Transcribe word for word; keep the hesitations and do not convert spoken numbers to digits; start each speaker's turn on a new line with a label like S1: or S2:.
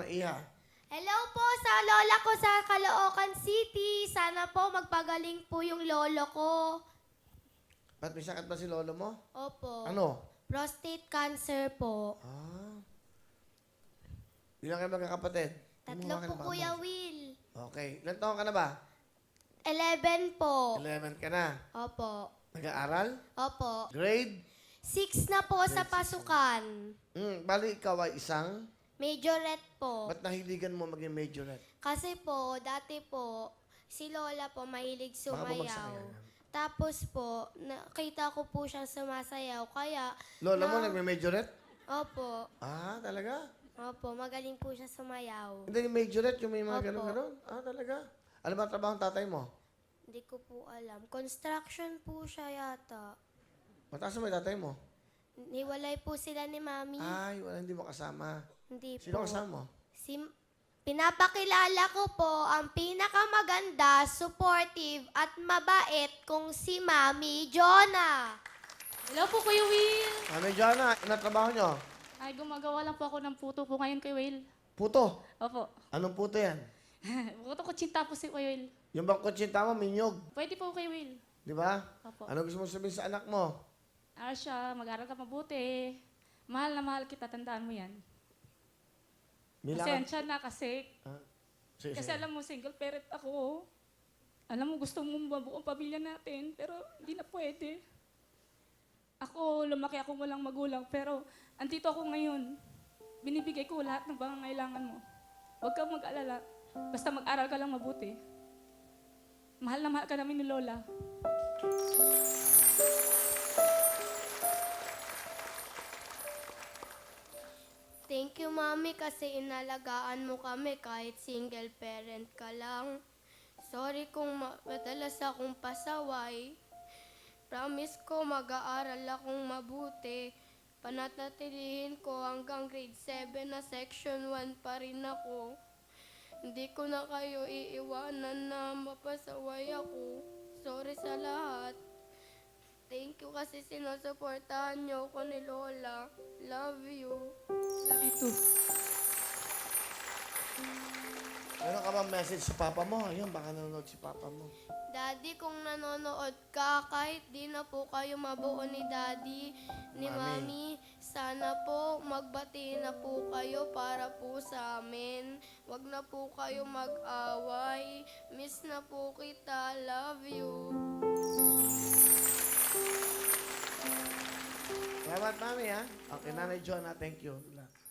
S1: na Iha.
S2: Hello po sa lola ko sa Caloocan City. Sana po magpagaling po yung lolo ko.
S1: Ba't may sakit ba si lolo mo?
S2: Opo.
S1: Ano?
S2: Prostate cancer po.
S1: Ah. Ilan kayo magkakapatid?
S2: Tatlo
S1: Kumuha ka
S2: po,
S1: na ba,
S2: Kuya
S1: Amos?
S2: Will.
S1: Okay. Ilan taon ka na ba?
S2: Eleven po.
S1: Eleven ka na.
S2: Opo.
S1: Nag-aaral?
S2: Opo.
S1: Grade?
S2: Six na po sa pasukan.
S1: Hmm, bali ikaw ay isang?
S2: Majorette po.
S1: Ba't nahiligan mo maging majorette?
S2: Kasi po, dati po, si Lola po mahilig
S1: Baka bumagsak
S2: sumayaw.
S1: yan.
S2: Tapos po, nakita ko po siyang sumasayaw. Kaya,
S1: Lola mo
S2: na-
S1: nagme-majorette?
S2: Opo.
S1: Ah, talaga?
S2: Opo, magaling po siya sumayaw.
S1: Hindi, yung majorette, yung may mga
S2: Opo.
S1: ganun-ganun? Ah, talaga? Ano ba ang trabaho ng tatay mo?
S2: Hindi ko po alam. Construction po siya yata.
S1: Mataas mo yung tatay mo?
S2: Niwalay po sila ni Mami.
S1: Ay, wala, hindi mo kasama.
S2: Hindi
S1: Sino
S2: po.
S1: kasama mo?
S2: Si, pinapakilala ko po ang pinakamaganda, supportive at mabait kong si Mami Jonah.
S3: Hello po, Kuya Will.
S1: Ah, medyo na, ano trabaho nyo?
S3: Ay, gumagawa lang po ako ng puto po ngayon, Kuya Will.
S1: Puto.
S3: Opo.
S1: Anong puto yan?
S3: Puto ko chinta po si Kuya Will.
S1: Yung bang kutsinta mo, minyog.
S3: Pwede po, Kuya Will.
S1: Di ba?
S3: Opo.
S1: Ano gusto mo sabihin sa anak mo?
S3: Arsha, mag-aral ka mabuti. Mahal na mahal kita, tandaan mo yan.
S1: Milangan.
S3: Pasensya na kasi,
S1: Ah, sige,
S3: kasi
S1: sige.
S3: alam mo, single parent ako. Alam mo, gusto mong mabuo ang pamilya natin, pero hindi na pwede. Ako, lumaki ako walang magulang, pero andito ako ngayon. Binibigay ko lahat ng pangangailangan mo. Huwag kang mag-alala. Basta mag-aral ka lang mabuti. Mahal na mahal ka namin ni Lola.
S2: Thank you, Mami, kasi inalagaan mo kami kahit single parent ka lang. Sorry kung ma- madalas akong pasaway. Promise ko mag-aaral akong mabuti. Panatatilihin ko hanggang grade seven na section one pa rin ako. Hindi ko na kayo iiwanan na mapasaway ako. Sorry sa lahat. Thank you kasi sinusuportahan niyo ko ni Lola. Love you.
S3: Love you too.
S1: Meron ka bang message sa papa mo? Ayun, baka nanonood si papa mo.
S2: Daddy, kung nanonood ka, kahit di na po kayo mabuo ni Daddy, ni
S1: Mami.
S2: Mami, sana po magbati na po kayo para po sa amin. Wag na po kayo mag-away. Miss na po kita. Love you.
S1: Salamat, mami, ha? Okay, Nanay Jonah, thank you.